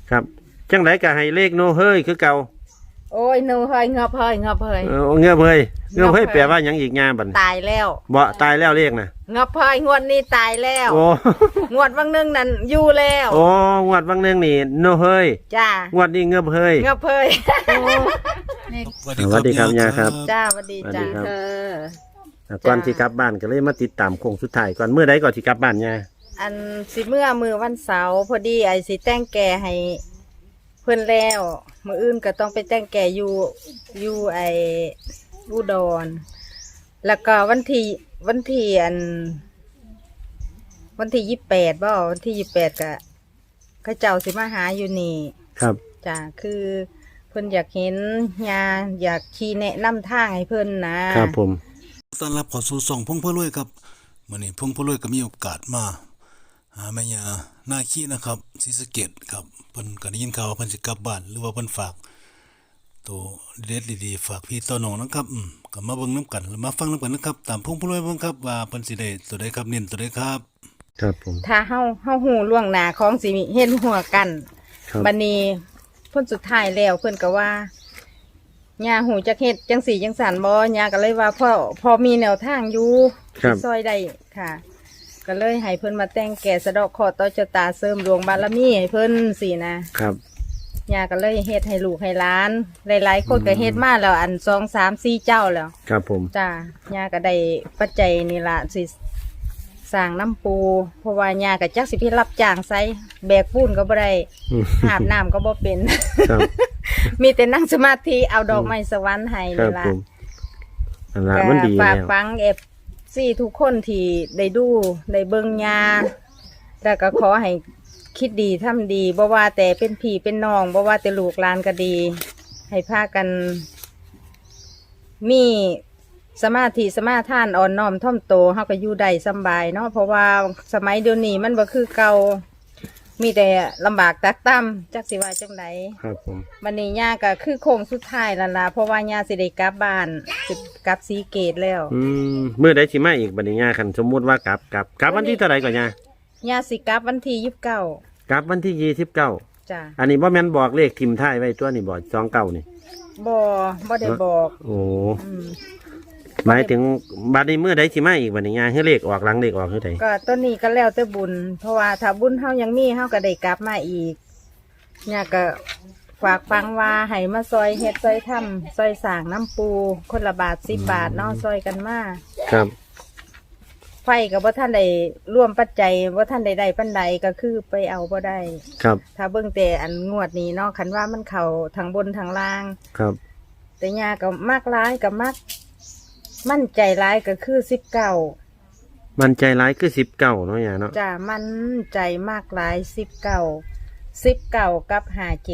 ครับจังไดก็ให้เลขโนเฮ้ยคือเก่าโอ้ยหนูเฮยงอบเฮยงอบเฮยเงือบเฮ้ยเงือบเฮ้ยแปลว่าหยังอีกงาบัดตายแล้วบ่ตายแล้วเลขน่ะงอบเฮยงวดนี้ตายแล้วโอ้งวดบางนึงนั่นอยู่แล้วโอ้งวดบางเรื่องนี่โนเฮ้ยจ้างวดนี้เงือบเฮ้ยงอบเฮยสวัสดีครับยาครับจ้าสวัสดีจ้าก่อนที่กลับบ้านก็เลยมาติดตามโค้งสุดท้ายก่อนเมื่อใดก่อนที่กลับบ้านยาอันสิเมื่อมือวันเสาร์พอดีไอ้สิแต่งแก่ให้เพื่อนแล้วมืออื่นก็ต้องไปแต่งแก่อยู่ไอ้อุดรแล้วก็วันที่วันที่28บ่วันที่28ก็เขาเจ้าสิมาหาอยู่นี่ครับจ้าคือเพิ่นอยากเห็นยาอยากชี้แนะนำทางให้เพิ่นนะครับผมต้อนรับเข้าสู่ช่องพงพ่อรวยครับมื้อนี้พงพ่อรวยก็มีโอกาสมาหาแม่ย่านาคีนะครับศรีสะเกษครับเพิ่นก็ได้ยินข่าวว่าเพิ่นสิกลับบ้านหรือว่าเพิ่นฝากตัวเด็ดดีๆฝากพี่ต่อน้องนะครับก็มาเบิ่งนํกันแล้วมาฟังนํกันนะครับตามพงพ่อรวยเบิ่งครับว่าเพิ่นสิได้ตัวใดครับเน้นตัวใดครับครับผมถ้าเฮาฮู้ล่วงหน้าของสิเฮ็ดหัวกันบัดนี้เพิ่นสุดท้ายแล้วเพิ่นก็ว่าย่าหูจักเฮ็ดจังสี่จังสันบ่ย่าก็เลยว่าพอมีแนวทางอยู่ซอยได้ค่ะก็เลยให้เพิ่นมาแต่งแก่สะดอกเคราะห์ต่อชะตาเสริมดวงบารมีให้เพิ่นสินะครับย่าก็เลยเฮ็ดให้ลูกให้หลานหลายๆคนก็เฮ็ดมาแล้วอัน2 3 4เจ้าแล้วครับผมจ้าย่าก็ได้ปัจจัยนี่ล่ะสิสร้างน้ำปูเพราะว่าย่าก็จักสิไปรับจ้างไสแบกปูนก็บ่ได้หาบน้ำก็บ่เป็นมีแต่นั่งสมาธิเอาดอกไม้สวรรค์ให้นี่ล่ะมันดีฝากฟังซี่ทุกคนที่ได้ดูได้เบิ่งยาแล้วก็ขอให้คิดดีทำดีบ่ว่าแต่เป็นพี่เป็นน้องบ่ว่าแต่ลูกหลานก็ดีให้พากันมีสมาธิสมาทานอ่อนน้อมถ่อมโตเฮาก็อยู่ได้สบายเนาะเพราะว่าสมัยเดี๋ยวนี้มันบ่คือเก่ามีแต่ลำบากตักต่ำจักสิว่าจังไดครับผมวันนี้ย่าก็คือโค้งสุดท้ายแล้วล่ะเพราะว่าย่าสิได้กลับบ้านสิกลับศรีเกตแล้วเมื่อใดสิมาอีกบัดนี้ย่าคันสมมุติว่ากลับวันที่เท่าไหร่ก่อนย่าสิกลับวันที่29 กลับวันที่29 จ้ะอันนี้บ่แม่นบอกเลขทิมท้ายไว้ตัวนี่บ่29นี่บ่ได้บอกโอ้หมายถึงบัดนี้เมื่อใดสิมาอีกบัดนี้ย่าให้เลขออกหลังเลขออกเท่าใดก็ตัวนี้ก็แล้วแต่บุญเพราะว่าถ้าบุญเฮายังมีเฮาก็ได้กลับมาอีกย่าก็ฝากฟังว่าให้มาซอยเฮ็ดซอยทำซอยสร้างน้ำปูคนละบาท10 บาทเนาะซอยกันมาครับไฟกับว่าท่านใดร่วมปัจจัยว่าท่านใดปันใดก็คือไปเอาบ่ได้ครับถ้าเบิ่งแต่อันงวดนี้เนาะคันว่ามันเข่าทางบนทางล่างครับแต่ยากับมากร้ายกับมากมั่นใจร้ายก็คือ19 มั่นใจร้ายคือ19เนาะย่าเนาะจ้ามั่นใจมากร้าย19กับ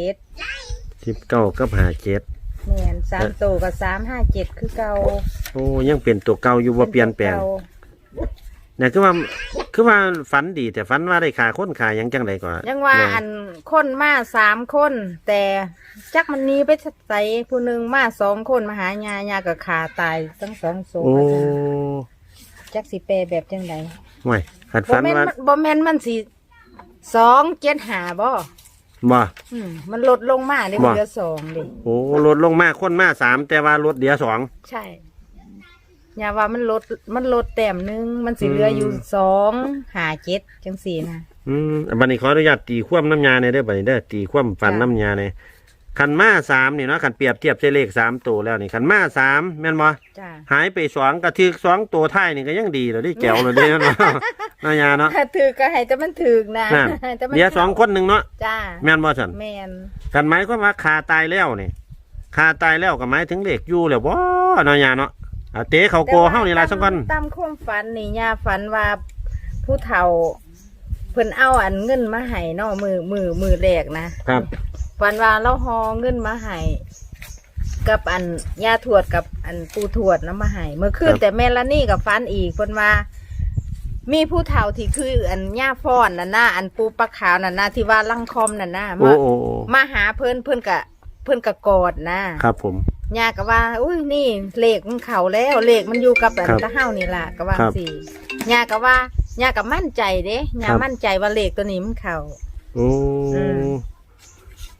57 กับ57 แม่น3ตัวกับ357คือเก่าโอ้ยังเป็นตัวเก่าอยู่บ่เปลี่ยนแปลงเนี่ยคือว่าฝันดีแต่ฝันว่าได้ขาคนขายังจังไดก่อนยังว่าอันคนมา3 คนแต่จักมันนี้ไปใส่ผู้หนึ่งมา2 คนมาหายาก็ขาตายทั้ง2 ศพจักสิแปลแบบจังไดไม่ขัดฝันว่าบ่แม่นมันสิ275บ่มันลดลงมาได้เหลือ2ดิโอ้ลดลงมาคนมา3แต่ว่าลดเดียว2 ใช่อย่าว่ามันลดแต้มนึงมันสิเหลืออยู่257จังซี่นะบัดนี้ขออนุญาตตีความน้ำยาในเด้อบัดนี้เด้อตีความฝันน้ำยาในขันมา3นี่เนาะขันเปรียบเทียบใช้เลข3ตัวแล้วนี่ขันมา3แม่นบ่หายไป2ก็ถึก2ตัวท้ายนี่ก็ยังดีแล้วดิแก้วเลยเด้เนาะน้ำยาเนาะถ้าถึกก็ให้แต่มันถึกนะเดี๋ยว2คนนึงเนาะจ้าแม่นบ่ซั่นแม่นกันหมายความว่าคาตายแล้วนี่คาตายแล้วก็หมายถึงเลขอยู่แล้วบ่น้ำยาเนาะเตะเขาโกเฮานี่ล่ะซั่นก่อนตามความฝันนี่ย่าฝันว่าผู้เฒ่าเพิ่นเอาอันเงินมาให้เนาะมือแรกนะครับฝันว่าเราฮอเงินมาให้กับอันย่าทวดกับอันปู่ทวดนำมาให้เมื่อคืนแต่แม่ละนี่กับฝันอีกเพิ่นว่ามีผู้เฒ่าที่คืออันย่าฟ้อนน่ะนะอันปูปลาขาวน่ะนะที่ว่าลังคอมน่ะนะมาหาเพิ่นก็กอดนะครับผมย่าก็ว่าอุ้ยนี่เลขมันเข่าแล้วเลขมันอยู่กับอันตะเฮานี่ล่ะก็ว่าสิย่าก็ว่าย่าก็มั่นใจเด้ย่ามั่นใจว่าเลขตัวนี้มันเข่า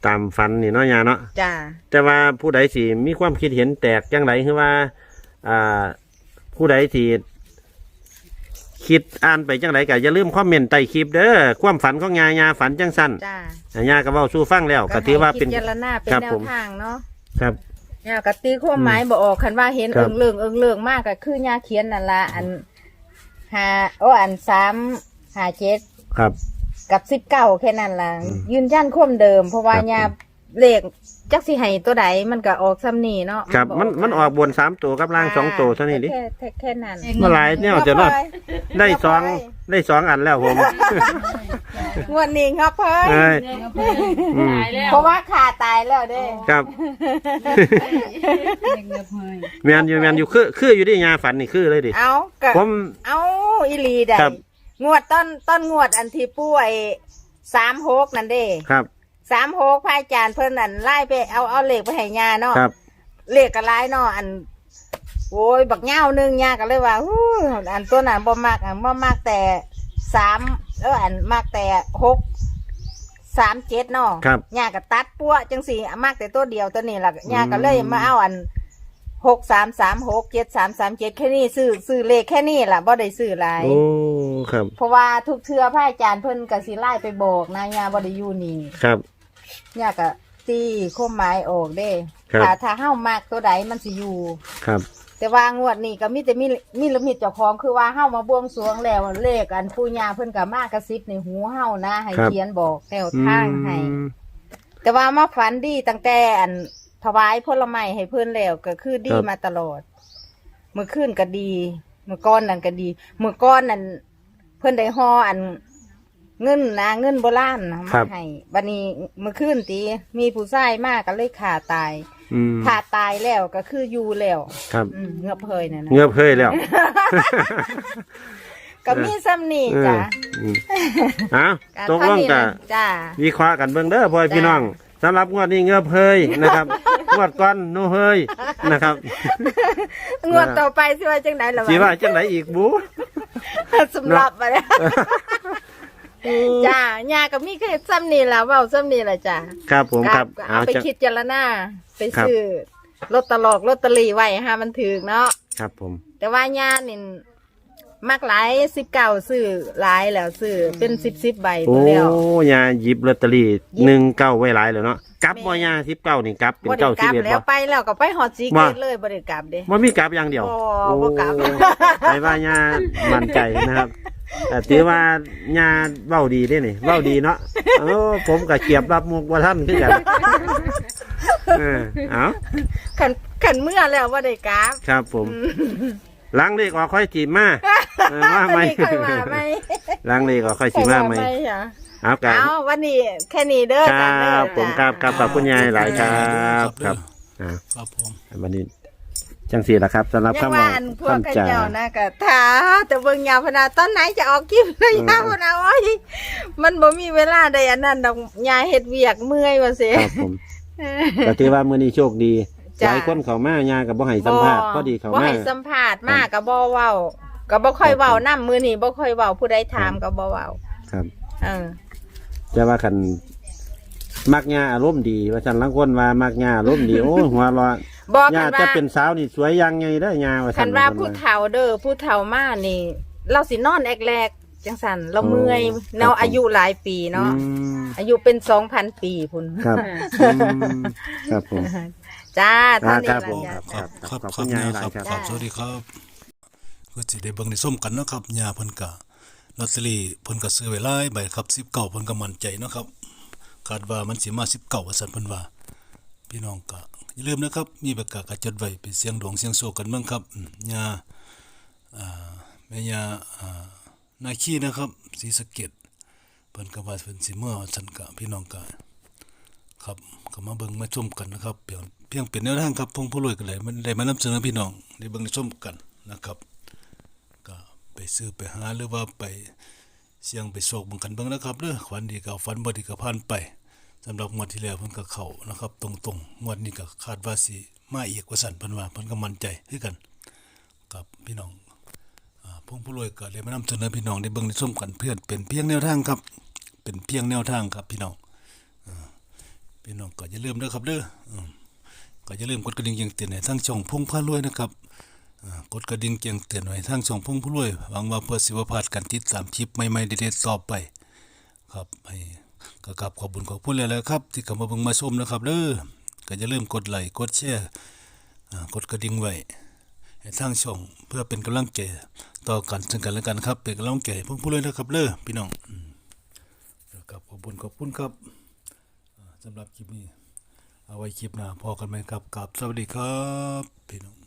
ตามฝันนี่เนาะยาเนาะจ้าแต่ว่าผู้ใดสิมีความคิดเห็นแตกจังไรคือว่าผู้ใดสิคิดอ่านไปจังไรก็อย่าลืมคอมเมนต์ใต้คลิปเด้อความฝันของยาฝันจังสั้นจ้ายาก็เว้าสู่ฟังแล้วก็ถือว่าเป็นพิจารณาเป็นครับแนผวมทางเนาะครับเนี่ยกตีความหมายบ่ออกคันว่าเห็นครัเอิบงเลิงเอิงเลิงมากก็คือย่าเขียนนั่นละอันอัน357 ครับกับ19แค่นั้นล่ะยืนยันความเดิม เพราะว่าครับย่าเลขจักสิให้ตัวใดมันก็ออกซ้ำนี่เนาะครับมันออกบน3ตัวกับล่าง2ตัวเท่านี้ดิแค่นั้นเมื่อหลายเนี่ยจะเนาะได้สองอันแล้วผมงวดนี้ครับเพิ่นเอ้ยอืมเพราะว่าขาตายแล้วเด้ครับแมนอยู่คืออยู่ดิยาฝันนี่คือเลยดิเอาก็ผมเอาอีหลีได้ครับงวดต้นงวดอันที่ป่วย36นั่นเด้ครับ 36พระอาจารย์เพิ่นอันไล่ไปเอาเลขไปให้ย่าเนาะครับเลขก็หลายเนาะอันโอ้ยบักเหย้านึงย่าก็เลยว่าฮู้อันตัวนั้นบ่มักอันบ่มักแต่3อันมักแต่637เนาะครับย่าก็ตัดปั้วจังสี่มักแต่ตัวเดียวตัวนี้ล่ะย่าก็เลยมาเอาอัน63367337แค่นี้ซื้อเลขแค่นี้ล่ะบ่ได้ซื้อหลายโอ้ครับเพราะว่าทุกเทื่อพระอาจารย์เพิ่นก็สิไล่ไปบอกนะย่าบ่ได้อยู่นี่ครับย่าก็ตีข้อหมายออกเด้ครับถ้าเฮามากตัวใดมันสิอยู่ครับแต่ว่างวดนี้ก็มีแต่มีลิมิตเจ้าของคือว่าเฮามาบวงสรวงแล้วเลขอันปู่ย่าเพิ่นก็มากระซิบในหูเฮานะให้เขียนบอกแนวทางให้ แต่ว่ามาฝันดีตั้งแต่อันถวายผลไม้ให้เพิ่นแล้วก็คือดีมาตลอดเมื่อคืนก็ดีเมื่อก้อนนั่นก็ดีเมื่อก้อนนั่นเพิ่นได้ห่ออันเงินโบราณนะมาให้บัดนี้เมื่อคืนตีมีผู้ชายมากก็เลยขาตายอืมขาตายแล้วก็คืออยู่แล้วครับเงือบเพยนั่นนะเงือบเฮ้ยแล้วก็มีซ้ำนี่จ้ะอืมเอ้าตกลงกันจ้าวิเคราะห์กันเบิ่งเด้อพ่อจ้าพี่น้องสำหรับงวดนี้เงือบเฮ้ยนะครับงวดก่อนโนเฮ้ยนะครับงวดต่อไปสิว่าจังไดล่ะสิว่าจังไหนอีกบูสำหรับอะไรจ้าย่าก็มีแค่ซ้ำนี่ล่ะเว้าซ้ำนี่ล่ะจ้าครับผมครับก็เอาไปจะคิดเจารณาไปครับซื้อลอตเตอรี่ไว้ฮะมันถึกเนาะครับผมแต่ว่าย่านี่มักหลาย19ซื้อหลายแล้วซื้อเป็น10ใบโอ้ตัวแล้วยาหยิบลอตเตอรี่19ไว้หลายแล้วเนาะกลับบ่ยา19นี่กลับเป็นบ่ได้กลับ 91 แล้วบ่ไปแล้วก็ไปฮอดสีเกตเลยบ่ได้กลับเด้บ่มีกลับอย่างเดียวบ่กลับไปว่ายามั่นใจนะครับ แต่ถือว่ายาเว้าดีเด้นี่เว้าดีเนาะผมก็เกียบรับมุกบ่ทันคือกันเอาขันเมื่อแล้วบ่ได้กลับครับผมหล้างเลขออกค่อยจีบมาว่าไหมค่อยมาไหมหล้างเลขออกค่อยจีบมาไหมจ้ะเอากันเอาวันนี้แค่นี้เด้อคจ้ะรัเด้อบผมครับครับขอบคุณยายหลายครับครับอ่าครับผมวันนี้จังสี่ละครับสำหรับยังคำว่าว่าอันพวกกันคำจ่าเจ้านะก็ท้าแต่เบิ่งยาวพนาตอนไหนจะออกคลิปเลยยาวพนาโอ้ยมันบ่มีเวลาใดอันนั้นดอกยายเฮ็ดเวียกเมื่อยว่าสิครับผมก็ถือว่ามื้อนี้โชคดีจ้ะหลายคนเข้ามายากับบ่ให้สัมภาษณ์พอดีเข้าบ่มาให้สัมภาษณ์มาก็บ่เว้าก็บ่ค่อยเว้านํมื้อนี้บ่ค่อยเว้าผู้ใดถามก็บ่เว้าครับเออจะว่าคันมักยาอารมณ์ดี ว่าฉันลังคนว่ามักยาอารมณ์ดีโอ้ยหัวเร้อนบอกยากันจะว่าเป็นสาวนี่สวยยังไงได้อยาว่าคัฉันนว่าผู้เฒ่าเด้อผู้เฒ่ามานี่ เราสินอนแรกๆจังซั่นเราเมื่อยเนาะอายุหลายปีเนาะอืมอายุเป็น 2,000 ปีพุ่นครับครับผมจ้าเท่านี้ครับล่ะผมจ้าครับครับขอบคคุรับณยายยาหลายครับครับครับสวัสดีครับก็สิได้เบิ่งได้ส้มกันเนาะครับยาเพิ่นก็ลอตเตอรี่เพิ่นก็ซื้อไว้หลายใบครับ19เพิ่นก็มั่นใจเนาะครับคาดว่ามันสิมา19ว่าซั่นเพิ่นว่าพี่น้องก็อย่าลืมนะครับมีปากกาก็จดไว้ไปเสียงดวงเสียงโชคกันเบิ่งครับยาแม่ยานาคีนะครับศรีสะเกษเพิ่นก็ว่าเพิ่นสิเมื่อว่าซั่นก็พี่น้องก็ครับก็มาเบิ่งมาชมกันนะครับเพียงเป็นแนวทางครับพงผู้รวยกันเลยมันได้มานำเสนอพี่น้องได้เบิ่งได้ชมกันนะครับก็ไปซื้อไปหาหรือว่าไปเสี่ยงไปโศกเบิ่งกันเบิ่งนะครับเด้อฝันดีก็ฝันบ่ดีก็ผ่านไปสำหรับงวดที่แล้วเพิ่นก็เข้านะครับตรงๆงวดนี้ก็คาดว่าสิมาอีกว่าซั่นเพิ่นว่าเพิ่นก็มั่นใจคือกันกับพี่น้องพงผู้รวยก็ได้มานำเสนอพี่น้องได้เบิ่งได้ชมกันเพื่อเป็นเพียงแนวทางครับเป็นเพียงแนวทางครับพี่น้องพี่น้องก็อย่าลืมเด้อครับเด้อก็อย่าลืมกดกระดิ่งแจ้งเตือนให้ทางช่องพงพารวยนะครับกดกระดิ่งแจ้งเตือนไว้ทางช่องพงพารวยหวังว่าเพื่อสิบ่พลาดการติดตามคลิปใหม่ๆเด็ดๆต่อไปครับให้ก็กราบขอบคุณขอบคุณหลายๆครับที่เข้ามาเบิ่งมาชมนะครับเด้อก็อย่าลืมกดไลค์กดแชร์กดกระดิ่งไว้ให้ทางช่องเพื่อเป็นกำลังใจต่อกันซึ่งกันและกันครับเป็นกำลังใจให้พงพารวยนะครับเด้อพี่น้องครับขอบคุณครับสำหรับคลิปนี้เอาไว้คลิปหน้าพอกันไหมครับกับสวัสดีครับพี่น้อง